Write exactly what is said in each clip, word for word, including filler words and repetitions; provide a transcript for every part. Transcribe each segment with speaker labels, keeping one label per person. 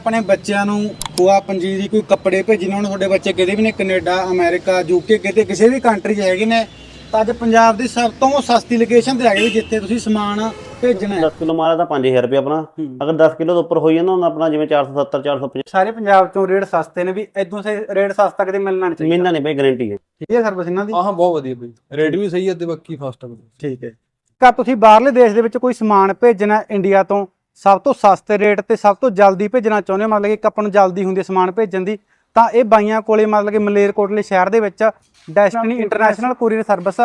Speaker 1: ਆਪਣੇ ਬੱਚਿਆਂ ਨੂੰ ਖੋਆ ਪੰਜੀਰੀ ਕੋਈ ਕੱਪੜੇ ਭੇਜਣੇ ਹੋਣ, ਤੁਹਾਡੇ ਬੱਚੇ ਕਿਤੇ ਵੀ ਨੇ, ਕੈਨੇਡਾ ਅਮਰੀਕਾ ਯੂਕੇ ਕਿਤੇ ਕਿਸੇ ਵੀ ਕੰਟਰੀ 'ਚ ਹੈਗੇ ਨੇ, ਤਾਂ ਅੱਜ ਪੰਜਾਬ ਦੀ ਸਭ ਤੋਂ ਸਸਤੀ ਲੋਕੇਸ਼ਨ ਤੇ ਹੈਗੇ ਜਿੱਥੇ ਤੁਸੀਂ ਸਮਾਨ ਭੇਜਣਾ ਹੈ।
Speaker 2: दस किलो माल ਤਾਂ ਪੰਜ ਹਜ਼ਾਰ ਰੁਪਏ ਆਪਣਾ। ਅਗਰ ਦਸ ਕਿਲੋ ਤੋਂ ਉੱਪਰ ਹੋਈ ਜਾਂਦਾ ਹੁੰਦਾ ਆਪਣਾ ਜਿਵੇਂ ਚਾਰ ਸੌ ਸੱਤਰ ਚਾਰ ਸੌ ਪੰਜਾਹ।
Speaker 1: ਸਾਰੇ ਪੰਜਾਬ ਚੋਂ ਰੇਟ ਸਸਤੇ ਨੇ, ਵੀ ਇਦੋਂ ਸੇ ਰੇਟ ਸਸਤਾ ਕਿਤੇ ਮਿਲਣਾ ਨਹੀਂ ਚਾਹੀਦਾ।
Speaker 2: ਮਹੀਨਾ ਨਹੀਂ ਬਈ ਗਾਰੰਟੀ ਹੈ।
Speaker 1: ਠੀਕ ਹੈ ਸਰਵਿਸ ਇਹਨਾਂ ਦੀ।
Speaker 3: ਹਾਂ ਹਾਂ ਬਹੁਤ ਵਧੀਆ ਬਈ, ਰੇਟ ਵੀ ਸਹੀ ਹੈ ਤੇ ਬਾਕੀ ਫਾਸਟ ਹੈ।
Speaker 1: ਠੀਕ ਹੈ। ਕਾ ਤੁਸੀਂ ਬਾਹਰਲੇ ਦੇਸ਼ ਦੇ ਵਿੱਚ ਕੋਈ ਸਮਾਨ ਭੇਜਣਾ ਇੰਡੀਆ ਤੋਂ ਸਭ ਤੋਂ ਸਸਤੇ ਰੇਟ ਤੇ ਸਭ ਤੋਂ ਜਲਦੀ ਭੇਜਣਾ ਚਾਹੁੰਦੇ ਹੋ, ਮਤਲਬ ਕਿ ਇੱਕ ਆਪਾਂ ਨੂੰ ਜਲਦੀ ਹੁੰਦੀ ਸਮਾਨ ਭੇਜਣ ਦੀ, ਤਾਂ ਇਹ ਬਾਈਆਂ ਕੋਲੇ ਮਤਲਬ ਕਿ ਮਲੇਰਕੋਟਲੇ ਸ਼ਹਿਰ ਦੇ ਵਿੱਚ destiny international courier service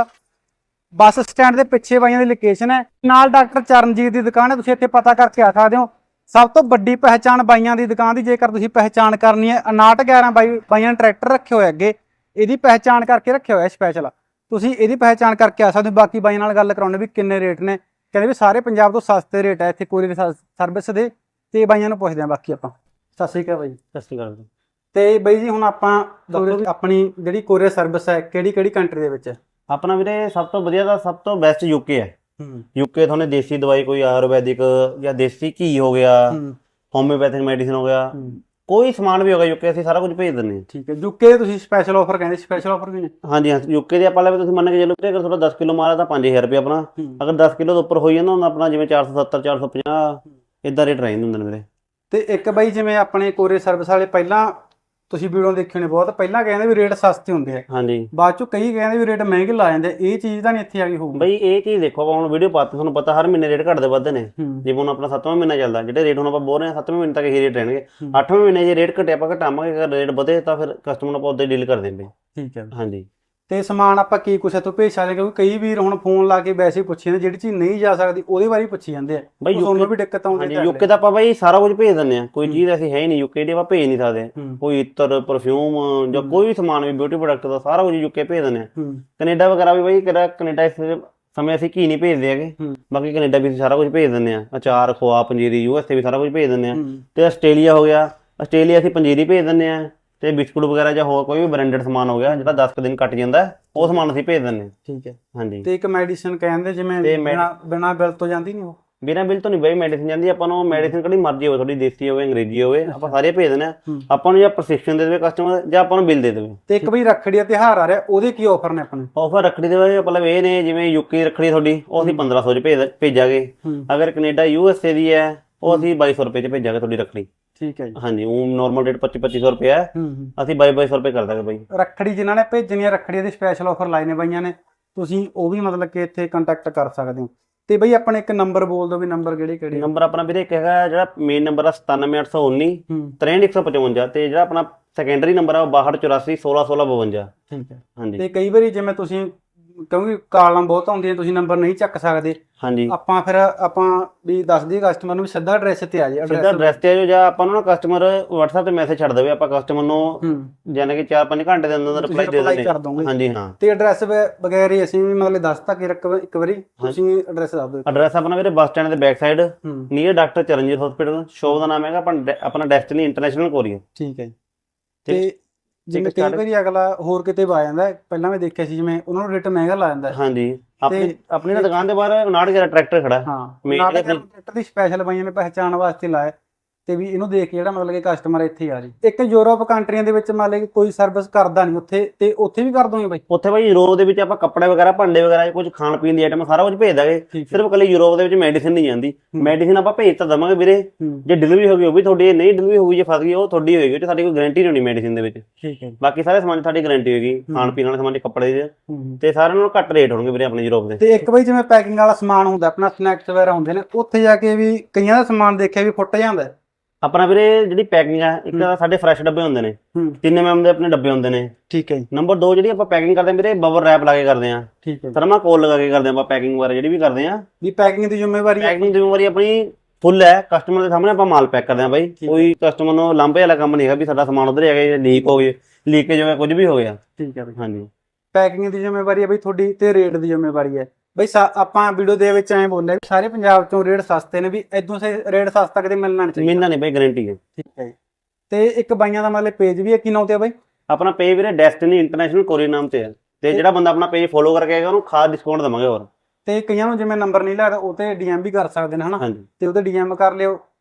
Speaker 1: bus stand ਦੇ ਪਿੱਛੇ ਬਾਈਆਂ ਦੀ ਲੋਕੇਸ਼ਨ ਹੈ, ਨਾਲ ਡਾਕਟਰ ਚਰਨਜੀਤ ਦੀ ਦੁਕਾਨ ਹੈ। ਤੁਸੀਂ ਇੱਥੇ ਪਤਾ ਕਰਕੇ ਆ ਸਕਦੇ ਹੋ। ਸਭ ਤੋਂ ਵੱਡੀ ਪਹਿਚਾਣ ਬਾਈਆਂ ਦੀ ਦੁਕਾਨ ਦੀ, ਜੇਕਰ ਤੁਸੀਂ ਪਹਿਚਾਣ ਕਰਨੀ ਹੈ, ਉਨਾਹਠ ਗਿਆਰਾਂ ਬਾਈ ਬਾਈਆਂ ਨੇ ਟਰੈਕਟਰ ਰੱਖੇ ਹੋਏ ਅੱਗੇ, ਇਹਦੀ ਪਹਿਚਾਣ ਕਰਕੇ ਰੱਖਿਆ ਹੋਇਆ ਸਪੈਸ਼ਲ। ਤੁਸੀਂ ਇਹਦੀ ਪਹਿਚਾਣ ਕਰਕੇ ਆ ਸਕਦੇ ਹੋ। ਬਾਕੀ ਬਾਈਆਂ ਨਾਲ ਗੱਲ ਕਰਾਉਣੇ ਵੀ ਕਿੰਨੇ ਰੇਟ ਨੇ, ਕਹਿੰਦੇ ਵੀ ਸਾਰੇ ਪੰਜਾਬ ਤੋਂ ਸਸਤੇ ਰੇਟ ਹੈ ਇੱਥੇ ਕੋਰੀਅਰ ਸਰਵਿਸ ਦੇ, ਤੇ ਬਾਈਆਂ ਨੂੰ ਪੁੱਛਦੇ ਆ ਬਾਕੀ ਆਪਾਂ। ਸਤਿ ਸ਼੍ਰੀ ਅਕਾਲ ਬਾਈ।
Speaker 2: ਸਤਿ ਸ਼੍ਰੀ ਅਕਾਲ।
Speaker 1: ਤੇ ਬਾਈ ਜੀ ਹੁਣ ਆਪਾਂ ਦੱਸੋ ਆਪਣੀ ਜਿਹੜੀ ਕੋਰੀਅਰ ਸਰਵਿਸ ਹੈ ਕਿਹੜੀ ਕਿਹੜੀ ਕੰਟਰੀ ਦੇ ਵਿੱਚ ਹੈ?
Speaker 2: ਆਪਣਾ ਵੀਰੇ ਸਭ ਤੋਂ ਵਧੀਆ ਦਾ ਸਭ ਤੋਂ ਬੈਸਟ ਯੂਕੇ ਹੈ।
Speaker 1: ਹੂੰ
Speaker 2: ਯੂਕੇ ਤੁਹਾਨੂੰ ਦੇਸੀ ਦਵਾਈ ਕੋਈ ਆਯੁਰਵੈਦਿਕ ਜਾਂ ਦੇਸੀ ਘੀ ਹੋ ਗਿਆ, ਹੋਮਿਓਪੈਥਿਕ ਮੈਡੀਸਿਨ ਹੋ ਗਿਆ, ਕੋਈ ਸਮਾਨ ਵੀ ਹੋ ਗਿਆ ਯੂਕੇ ਅਸੀਂ ਸਾਰਾ ਕੁਝ ਭੇਜ ਦਿੰਦੇ ਹਾਂ।
Speaker 1: ਠੀਕ ਹੈ। ਯੂਕੇ ਦੇ ਤੁਸੀਂ ਸਪੈਸ਼ਲ ਆਫਰ ਕਹਿੰਦੇ, ਸਪੈਸ਼ਲ ਆਫਰ ਵੀ ਨੇ?
Speaker 2: ਹਾਂਜੀ ਹਾਂ, ਯੂਕੇ ਦੇ ਆਪਾਂ ਲੈ ਤੁਸੀਂ ਮੰਨ ਕੇ ਚੱਲੋ ਅਗਰ ਤੁਹਾਡਾ ਦਸ ਕਿਲੋ ਮਾਲ ਹੈ ਤਾਂ ਪੰਜ ਹਜ਼ਾਰ ਰੁਪਏ ਆਪਣਾ। ਅਗਰ ਦਸ ਕਿਲੋ ਤੋਂ ਉੱਪਰ ਹੋਈ ਜਾਂਦਾ ਹੁੰਦਾ ਆਪਣਾ ਜਿਵੇਂ ਚਾਰ ਸੌ ਸੱਤਰ ਚਾਰ ਸੌ ਪੰਜਾਹ ਇਦਾਂ ਰੇਟ ਰਹਿੰਦੇ ਹੁੰਦੇ ਨੇ ਵੀਰੇ।
Speaker 1: ਤੇ ਇੱਕ ਬਾਈ ਜਿਵੇਂ ਆਪਣੇ ਕੋਰੀਅਰ ਸਰਵਿਸ ਵਾਲੇ ਪਹਿਲਾਂ ਤੁਸੀਂ ਵੀਡੀਓ ਦੇਖੇ ਨੇ ਬਹੁਤ, ਪਹਿਲਾਂ ਕਹਿੰਦੇ ਵੀ ਰੇਟ ਸਸਤੇ ਹੁੰਦੇ ਆ,
Speaker 2: ਹਾਂਜੀ
Speaker 1: ਬਾਅਦ ਚੋਂ ਕਈ ਕਹਿੰਦੇ ਵੀ ਰੇਟ ਮਹਿੰਗੇ ਲਾ ਜਾਂਦੇ, ਇਹ ਚੀਜ਼ ਤਾਂ ਨਹੀਂ ਇੱਥੇ ਆ ਗਈ ਹੋਊਗੀ?
Speaker 2: ਬਈ ਇਹ ਚੀਜ਼ ਦੇਖੋ, ਆਪਾਂ ਹੁਣ ਵੀਡੀਓ ਪਾਤੇ ਤੁਹਾਨੂੰ ਪਤਾ ਹਰ ਮਹੀਨੇ ਰੇਟ ਘਟਦੇ ਵੱਧਦੇ ਨੇ। ਜਿਵੇਂ ਹੁਣ ਆਪਣਾ ਸੱਤਵਾਂ ਮਹੀਨਾ ਚੱਲਦਾ, ਜਿਹੜੇ ਰੇਟ ਹੁਣ ਆਪਾਂ ਬੋਲ ਰਹੇ ਹਾਂ ਸੱਤਵੇਂ ਮਹੀਨੇ ਤੱਕ ਇਹੀ ਰੇਟ ਰਹਿਣਗੇ। ਅੱਠਵੇਂ ਮਹੀਨੇ ਜੇ ਰੇਟ ਘਟੇ ਆਪਾਂ ਘਟਾਵਾਂਗੇ, ਅਗਰ ਰੇਟ ਵਧੇ ਤਾਂ ਫਿਰ ਕਸਟਮਰ ਨੂੰ ਆਪਾਂ ਉੱਦਾਂ ਡੀਲ ਕਰ ਦਿੰਦੇ।
Speaker 1: ਠੀਕ ਹੈ।
Speaker 2: ਹਾਂਜੀ।
Speaker 1: ਤੇ ਸਮਾਨ ਆਪਾਂ ਕੀ ਕੁਛ ਤੋਂ ਭੇਜ ਸਕਦੇ, ਕਿਉਂਕਿ ਕਈ ਵੀਰ ਹੁਣ ਫੋਨ ਲਾ ਕੇ ਵੈਸੇ ਹੀ ਪੁੱਛੀ ਜਾਂਦੇ, ਜਿਹੜੀ ਚੀਜ਼ ਨਹੀਂ ਜਾ ਸਕਦੀ ਉਹਦੇ ਬਾਰੇ ਪੁੱਛੀ ਜਾਂਦੇ ਆ।
Speaker 2: ਬਈ
Speaker 1: ਤੁਹਾਨੂੰ ਵੀ ਦਿੱਕਤ ਆਉਂਦੀ
Speaker 2: ਹੈ? ਯੂਕੇ ਦਾ ਆਪਾਂ ਬਈ ਸਾਰਾ ਕੁਝ ਭੇਜ ਦਿੰਦੇ ਆ, ਕੋਈ ਚੀਜ਼ ਐਸੀ ਹੈ ਹੀ ਨਹੀਂ ਯੂਕੇ ਦੀ ਆਪਾਂ ਭੇਜ ਨਹੀਂ ਸਕਦੇ। ਕੋਈ ਇਤਰ ਪਰਫਿਊਮ ਜਾਂ ਕੋਈ ਵੀ ਸਮਾਨ ਵੀ ਬਿਊਟੀ ਪ੍ਰੋਡਕਟ ਦਾ ਸਾਰਾ ਕੁਝ ਯੂਕੇ ਭੇਜ ਦਿੰਦੇ ਆ। ਕੈਨੇਡਾ ਵਗੈਰਾ ਵੀ ਬਈ ਕਿਹੜਾ ਕੈਨੇਡਾ ਇਸ ਸਮੇਂ ਅਸੀਂ ਘੀ ਨਹੀਂ ਭੇਜਦੇ ਹੈਗੇ, ਬਾਕੀ ਕੈਨੇਡਾ ਵੀ ਅਸੀਂ ਸਾਰਾ ਕੁਝ ਭੇਜ ਦਿੰਦੇ ਆ। ਅਚਾਰ ਖੋਆ ਪੰਜੀਰੀ ਯੂਐਸਏ ਵੀ ਸਾਰਾ ਕੁਝ ਭੇਜ ਦਿੰਦੇ ਆ। ਤੇ ਆਸਟ੍ਰੇਲੀਆ ਹੋ ਗਿਆ, ਆਸਟ੍ਰੇਲੀਆ ਅਸੀਂ ਪੰਜੀਰੀ ਭੇਜ ਦਿੰਦੇ ਆ, ਤੇ ਬਿਸਕੁਟ ਵਗੈਰਾ ਜਾਂ ਹੋਰ ਕੋਈ ਵੀ ਬ੍ਰਾਂਡਡ ਸਮਾਨ ਹੋ ਗਿਆ ਜਿਹੜਾ ਦਸ ਕੁ ਦਿਨ ਕੱਟ ਜਾਂਦਾ ਉਹ ਸਮਾਨ ਅਸੀਂ ਭੇਜ ਦਿੰਦੇ।
Speaker 1: ਠੀਕ ਹੈ।
Speaker 2: ਹਾਂਜੀ।
Speaker 1: ਤੇ ਇੱਕ ਮੈਡੀਸਿਨ ਕਹਿੰਦੇ ਜਿਵੇਂ ਬਿਨਾਂ ਬਿੱਲ ਤੋਂ ਜਾਂਦੀ ਨਹੀਂ? ਉਹ
Speaker 2: ਬਿਨਾਂ ਬਿੱਲ ਤੋਂ ਨਹੀਂ ਬਈ ਮੈਡੀਸਿਨ ਜਾਂਦੀ। ਆਪਾਂ ਨੂੰ ਮੈਡੀਸਿਨ ਕਿਹੜੀ ਮਰਜ਼ੀ ਹੋਵੇ, ਤੁਹਾਡੀ ਦੇਸੀ ਹੋਵੇ ਅੰਗਰੇਜ਼ੀ ਹੋਵੇ, ਆਪਾਂ ਸਾਰੇ ਭੇਜ ਦਿੰਦੇ ਆ। ਆਪਾਂ ਨੂੰ ਜਾਂ ਪ੍ਰਸਕ੍ਰਿਪਸ਼ਨ ਦੇ ਦੇਵੇ ਕਸਟਮਰ ਜਾਂ ਆਪਾਂ ਨੂੰ ਬਿੱਲ ਦੇ ਦੇਵੇ।
Speaker 1: ਤੇ ਇੱਕ ਬਈ ਰੱਖੜੀ ਦਾ ਤਿਉਹਾਰ ਆ ਰਿਹਾ, ਉਹਦੇ ਕੀ ਆਫਰ ਨੇ ਆਪਣੇ?
Speaker 2: ਆਫਰ ਰੱਖੜੀ ਦੇ ਬਾਰੇ ਮਤਲਬ ਇਹ ਨੇ, ਜਿਵੇਂ ਯੂਕੇ ਰੱਖੜੀ ਤੁਹਾਡੀ ਉਹ ਅਸੀਂ ਪੰਦਰਾਂ ਸੌ ਚ ਭੇਜ ਭੇਜਾਂਗੇ। ਅਗਰ ਕੈਨੇਡਾ ਯੂਐਸਏ ਦੀ ਹੈ ਉਹ ਅਸੀਂ ਬਾਈ ਸੌ ਰੁਪਏ ਚ ਭੇਜਾਂਗੇ ਤੁਹਾਡੀ ਰੱਖੜੀ।
Speaker 1: ਠੀਕ ਹੈ ਜੀ।
Speaker 2: ਹਾਂਜੀ, ਉਹ ਨਾਰਮਲ ਰੇਟ ਪੱਚੀ ਪੱਚੀ ਸੌ ਰੁਪਏ ਹੈ, ਅਸੀਂ ਬਾਈ ਬਾਈ ਸੌ ਰੁਪਏ ਕਰ ਦਾਂਗੇ ਬਾਈ।
Speaker 1: ਰੱਖੜੀ ਜਿਨ੍ਹਾਂ ਨੇ ਭੇਜਣੀ ਹੈ, ਰੱਖੜੀ ਦੇ ਸਪੈਸ਼ਲ ਆਫਰ ਲਾਏ ਨੇ ਬਾਈਆਂ ਨੇ, ਤੁਸੀਂ ਉਹ ਵੀ ਮਤਲਬ ਕਿ ਇੱਥੇ ਕੰਟੈਕਟ ਕਰ ਸਕਦੇ ਹੋ। ਤੇ ਬਈ ਆਪਣੇ ਇੱਕ ਨੰਬਰ ਬੋਲ ਦਿਓ ਵੀ, ਨੰਬਰ ਕਿਹੜੇ ਕਿਹੜੇ?
Speaker 2: ਨੰਬਰ ਆਪਣਾ ਵੀਰੇ ਇੱਕ ਹੈਗਾ ਜਿਹੜਾ ਮੇਨ ਨੰਬਰ ਆ ਸਤਾਨਵੇਂ ਅੱਠ ਸੌ ਉੱਨੀ ਤਰੇਂਹਠ ਇੱਕ ਸੌ ਪਚਵੰਜਾ, ਤੇ ਜਿਹੜਾ ਆਪਣਾ ਸੈਕੰਡਰੀ ਨੰਬਰ ਆ ਉਹ ਬਾਹਠ ਚੁਰਾਸੀ ਸੋਲਾਂ ਸੋਲਾਂ ਬਵੰਜਾ।
Speaker 1: ਠੀਕ ਹੈ।
Speaker 2: ਹਾਂਜੀ।
Speaker 1: ਤੇ ਕਈ ਵਾਰੀ ਜਿਵੇਂ ਤੁਸੀਂ ਕਿਉਂਕਿ ਕਾਲਾਂ ਬਹੁਤ ਆਉਂਦੀਆਂ, ਤੁਸੀਂ ਨੰਬਰ ਨਹੀਂ ਚੱਕ ਸਕਦੇ,
Speaker 2: ਹਾਂਜੀ,
Speaker 1: ਆਪਾਂ ਫਿਰ ਆਪਾਂ ਵੀ ਦੱਸ ਦਈਏ ਕਸਟਮਰ ਨੂੰ ਵੀ ਸਿੱਧਾ ਐਡਰੈਸ ਤੇ ਆ ਜਾਏ।
Speaker 2: ਸਿੱਧਾ ਐਡਰੈਸ ਤੇ ਆ ਜਾਓ, ਜਾਂ ਆਪਾਂ ਨੂੰ ਕਸਟਮਰ WhatsApp ਤੇ ਮੈਸੇਜ ਛੱਡ ਦੇਵੇ, ਆਪਾਂ ਕਸਟਮਰ ਨੂੰ ਜਾਨੇ ਕਿ ਚਾਰ ਪੰਜ ਘੰਟੇ ਦੇ ਅੰਦਰ ਰਿਪਲਾਈ ਦੇ ਦਿੰਦੇ। ਹਾਂਜੀ ਹਾਂ। ਤੇ ਐਡਰੈਸ ਵਗੈਰਾ ਅਸੀਂ ਵੀ ਮਤਲਬ ਦੱਸਤਾ ਕਿ ਇੱਕ ਵਾਰੀ ਤੁਸੀਂ ਐਡਰੈਸ ਦੱਸ ਦਿਓ। ਐਡਰੈਸ ਆਪਣਾ ਵੀਰੇ ਬੱਸ ਸਟੈਂਡ ਦੇ back side near doctor Charanjit hospital. Shop ਦਾ ਨਾਮ ਹੈਗਾ ਆਪਣਾ ਡੈਸਟੀਨੀ ਇੰਟਰਨੈਸ਼ਨਲ ਕੋਰੀਅਰ।
Speaker 1: ਠੀਕ ਹੈ। ਤੇ ਜਿਵੇਂ ਕਈ ਵਾਰੀ ਅਗਲਾ ਹੋਰ ਕਿਤੇ ਆ ਜਾਂਦਾ, ਪਹਿਲਾਂ ਮੈਂ ਦੇਖਿਆ ਸੀ ਜਿਵੇਂ ਉਹਨਾਂ ਨੂੰ ਰੇਟ ਮਹਿੰਗਾ ਲਾ ਜਾਂਦਾ।
Speaker 2: ਹਾਂਜੀ। ਆਪਣੀ ਆਪਣੀ ਦੁਕਾਨ ਦੇ ਬਾਹਰ ਉਨਾਹਠ ਗਿਆਰਾਂ ਟਰੈਕਟਰ ਖੜਾ।
Speaker 1: ਹਾਂ, ਟਰੈਕਟਰ ਦੀ ਸਪੈਸ਼ਲ ਬਾਈਆਂ ਨੇ ਪਹਿਚਾਣ ਵਾਸਤੇ ਲਾਇਆ, ਤੇ ਵੀ ਇਹਨੂੰ ਦੇਖ ਕੇ ਜਿਹੜਾ ਮਤਲਬ ਕਿ ਕਸਟਮਰ ਇੱਥੇ ਆ ਜੀ। ਇੱਕ ਯੂਰਪ ਕੰਟਰੀਆਂ ਦੇ ਵਿੱਚ ਮੰਨ ਲਓ ਕਿ ਕੋਈ ਸਰਵਿਸ ਕਰਦਾ ਨਹੀਂ ਉੱਥੇ, ਤੇ ਉੱਥੇ ਵੀ ਕਰ ਦੋਗੇ ਬਾਈ? ਉੱਥੇ
Speaker 2: ਬਾਈ ਯੂਰਪ ਦੇ ਵਿੱਚ ਆਪਾਂ ਕੱਪੜੇ ਵਗੈਰਾ ਭਾਂਡੇ ਵਗੈਰਾ ਕੁਝ ਖਾਣ ਪੀਣ ਦੀ ਆਈਟਮ ਸਾਰਾ ਕੁਝ ਭੇਜ ਦਾਂਗੇ। ਸਿਰਫ ਕੱਲੀ ਯੂਰਪ ਦੇ ਵਿੱਚ ਮੈਡੀਸਿਨ ਨਹੀਂ ਜਾਂਦੀ। ਮੈਡੀਸਿਨ ਆਪਾਂ ਭੇਜ ਤਾਂ ਦਵਾਂਗੇ ਵੀਰੇ, ਜੇ ਡਿਲੀਵਰੀ ਹੋ ਗਈ ਉਹ ਵੀ ਤੁਹਾਡੀ, ਨਹੀਂ ਡਿਲੀਵਰੀ ਹੋਊਗੀ ਜੇ ਫਸ ਗਈ ਉਹ ਤੁਹਾਡੀ ਹੋਏਗੀ, ਤੇ ਸਾਡੀ ਕੋਈ ਗਾਰੰਟੀ ਨਹੀਂ ਹੋਣੀ ਮੈਡੀਸਿਨ ਦੇ ਵਿੱਚ।
Speaker 1: ਠੀਕ ਹੈ।
Speaker 2: ਬਾਕੀ ਸਾਰੇ ਸਮਾਨ ਸਾਡੀ ਗਾਰੰਟੀ ਹੋਏਗੀ, ਖਾਣ ਪੀਣ ਵਾਲੇ ਸਮਾਨ ਦੇ ਕੱਪੜੇ ਦੇ, ਤੇ ਸਾਰਿਆਂ ਨਾਲੋਂ ਘੱਟ ਰੇਟ ਹੋਣਗੇ ਵੀਰੇ ਆਪਣੇ ਯੂਰਪ ਦੇ।
Speaker 1: ਤੇ ਇੱਕ ਬਾਈ ਜਿਵੇਂ ਪੈਕਿੰਗ ਵਾਲਾ ਸਮਾਨ ਹੁੰਦਾ ਆਪਣਾ, ਸਨੈਕਸ ਵਗੈਰਾ ਹੁੰਦੇ ਨੇ, ਉੱਥੇ ਜਾ ਕੇ ਵੀ ਕਈਆਂ ਦਾ ਸਮਾਨ ਦੇਖਿਆ ਵੀ ਫੁੱਟ ਜਾਂਦਾ।
Speaker 2: ਆਪਣਾ ਵੀਰੇ ਜਿਹੜੀ ਪੈਕਿੰਗ ਆ, ਇੱਕ ਤਾਂ ਸਾਡੇ ਫਰੈਸ਼ ਡੱਬੇ ਹੁੰਦੇ ਨੇ, ਤਿੰਨ ਐਮ ਐਮ ਦੇ ਆਪਣੇ ਡੱਬੇ ਹੁੰਦੇ ਨੇ।
Speaker 1: ਠੀਕ ਹੈ।
Speaker 2: ਨੰਬਰ ਦੋ ਜਿਹੜੀ ਆਪਾਂ ਪੈਕਿੰਗ ਕਰਦੇ ਆ ਵੀਰੇ, ਬਬਲ ਰੈਪ ਲਾ ਕੇ ਕਰਦੇ ਆ।
Speaker 1: ਠੀਕ ਹੈ।
Speaker 2: ਥਰਮਾਕੋਲ ਲਗਾ ਕੇ ਕਰਦੇ ਆ ਆਪਾਂ ਪੈਕਿੰਗ ਵਗੈਰਾ ਜਿਹੜੀ ਵੀ ਕਰਦੇ ਆ।
Speaker 1: ਵੀ ਪੈਕਿੰਗ ਦੀ ਜ਼ਿੰਮੇਵਾਰੀ
Speaker 2: ਪੈਕਿੰਗ ਦੀ ਜ਼ਿੰਮੇਵਾਰੀ ਆਪਣੀ ਫੁੱਲ ਹੈ, ਕਸਟਮਰ ਦੇ ਸਾਹਮਣੇ ਆਪਾਂ ਮਾਲ ਪੈਕ ਕਰਦੇ ਆ ਬਾਈ। ਕੋਈ ਕਸਟਮਰ ਨੂੰ ਲਾਂਭੇ ਵਾਲਾ ਕੰਮ ਨਹੀਂ ਹੈਗਾ ਵੀ ਸਾਡਾ ਸਮਾਨ ਉਧਰ ਹੈਗਾ ਜਾਂ ਲੀਕ ਹੋ ਗਏ, ਲੀਕੇਜ ਹੋ ਗਿਆ, ਕੁਝ ਵੀ ਹੋ ਗਿਆ।
Speaker 1: ਠੀਕ ਹੈ ਬਾਈ।
Speaker 2: ਹਾਂਜੀ।
Speaker 1: ਪੈਕਿੰਗ ਦੀ ਜ਼ਿੰਮੇਵਾਰੀ ਹੈ ਬਈ ਤੁਹਾਡੀ, ਤੇ ਰੇਟ ਦੀ ਜ਼ਿੰਮੇਵਾਰੀ ਹੈ ਬਈ। ਆਪਾਂ ਵੀਡੀਓ ਦੇ ਵਿੱਚ ਐਂ ਬੋਲਿਆ ਵੀ ਸਾਰੇ ਪੰਜਾਬ ਚੋਂ ਰੇਟ ਸਸਤੇ ਨੇ, ਵੀ ਇਦੋਂ ਸੇ ਰੇਟ ਸਸਤਾ ਕਿਤੇ ਮਿਲਣਾ ਨਹੀਂ ਚਾਹੀਦਾ।
Speaker 2: ਮਿਲਣਾ ਨਹੀਂ ਬਈ, ਗਾਰੰਟੀ ਹੈ।
Speaker 1: ਠੀਕ ਹੈ। ਤੇ ਇੱਕ ਬਾਈਆਂ ਦਾ ਮਤਲਬ ਪੇਜ ਵੀ ਹੈ, ਕੀ ਨਾਮ ਤੇ ਆ ਬਾਈ?
Speaker 2: ਆਪਣਾ ਪੇਜ ਵੀਰੇ ਡੈਸਟੀਨੀ ਇੰਟਰਨੈਸ਼ਨਲ ਕੋਰੀਅਰ ਨਾਮ ਤੇ ਹੈ, ਤੇ ਜਿਹੜਾ ਬੰਦਾ ਆਪਣਾ ਪੇਜ ਫੋਲੋ ਕਰਕੇ ਆਏਗਾ ਉਹਨੂੰ ਖਾਸ ਡਿਸਕਾਊਂਟ ਦੇਵਾਂਗੇ। ਹੋਰ
Speaker 1: ਤੇ ਕਈਆਂ ਨੂੰ ਜਿਵੇਂ ਨੰਬਰ ਨਹੀਂ ਲੱਗਦਾ ਉਹ ਤੇ ਡੀਐਮ ਵੀ ਕਰ ਸਕਦੇ ਨੇ ਹਨਾ, ਤੇ ਉਹਤੇ ਡੀਐਮ ਕਰ ਲਿਓ।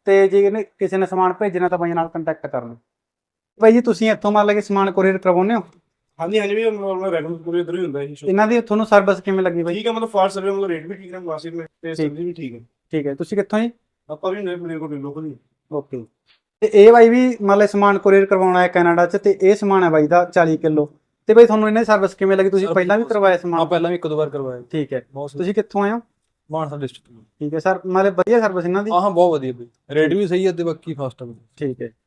Speaker 1: ਤੇ ਜੇ ਇਹਨੇ ਕਿਸੇ ਨੇ ਸਮਾਨ ਭੇਜਣਾ ਤਾਂ ਬਾਈਆਂ ਨਾਲ ਕੰਟੈਕਟ ਕਰ ਲਓ। ਬਾਈ ਜੀ ਤੁਸੀਂ ਇੱਥੋਂ ਮੰਨ ਲਓ ਕਿ ਸਮਾਨ ਕੋਰੀਅਰ ਕਰਵਾਉਂਦੇ ਹੋ?
Speaker 4: ਹਾਂਜੀ ਹਾਂਜੀ ਵੀ ਨੋਰਮਲ ਰੈਗੂਲਰ ਪੂਰੇ ਇਧਰ ਹੀ ਹੁੰਦਾ ਹੈ ਸ਼ੋ
Speaker 1: ਇਹਨਾਂ ਦੀ ਤੁਹਾਨੂੰ ਸਰਵਿਸ ਕਿਵੇਂ ਲੱਗੀ ਬਾਈ?
Speaker 4: ਠੀਕ ਹੈ ਮਤਲਬ ਫਾਸਟ ਸਰਵਿਸ ਮਤਲਬ ਰੇਟ ਵੀ ਠੀਕ ਹੈ ਮੁਨਾਸਿਬ ਨੇ ਤੇ ਸਰਵਿਸ ਵੀ ਠੀਕ ਹੈ।
Speaker 1: ਠੀਕ ਹੈ, ਤੁਸੀਂ ਕਿੱਥੋਂ ਜੀ?
Speaker 4: ਆਪਾਂ ਵੀ ਨੇ ਮੇਰੇ ਕੋਲ ਲੋਕਲ ਹੀ।
Speaker 1: ਓਕੇ, ਤੇ ਇਹ ਬਾਈ ਵੀ ਮੰਨ ਲਓ ਸਮਾਨ ਕੋਰੀਅਰ ਕਰਵਾਉਣਾ ਹੈ ਕੈਨੇਡਾ 'ਚ, ਤੇ ਇਹ ਸਮਾਨ ਹੈ ਬਾਈ ਦਾ ਚਾਲੀ ਕਿਲੋ। ਤੇ ਬਾਈ ਤੁਹਾਨੂੰ ਇਹਨਾਂ ਦੀ ਸਰਵਿਸ ਕਿਵੇਂ ਲੱਗੀ? ਤੁਸੀਂ ਪਹਿਲਾਂ ਵੀ ਕਰਵਾਇਆ
Speaker 3: ਹਾਂ
Speaker 1: ਸਮਾਨ?
Speaker 3: ਪਹਿਲਾਂ ਵੀ ਇੱਕ ਦੋ ਵਾਰ ਕਰਵਾਇਆ।
Speaker 1: ਠੀਕ ਹੈ,
Speaker 3: ਬਹੁਤ
Speaker 1: ਤੁਸੀਂ ਕਿੱਥੋਂ ਆਏ ਹੋ?
Speaker 3: ਮਾਨਸਾ ਡਿਸਟ੍ਰਿਕਟ।
Speaker 1: ਠੀਕ ਹੈ ਸਰ, ਮਤਲਬ ਵਧੀਆ ਸਰਵਿਸ ਇਹਨਾਂ ਦੀ?
Speaker 3: ਹਾਂ ਹਾਂ ਬਹੁਤ ਵਧੀਆ ਬਈ, ਰੇਟ ਵੀ ਸਹੀ ਹੈ ਤੇ ਬਾਕੀ ਫਾਸਟ ਹੈ।
Speaker 1: ਠੀਕ ਹੈ।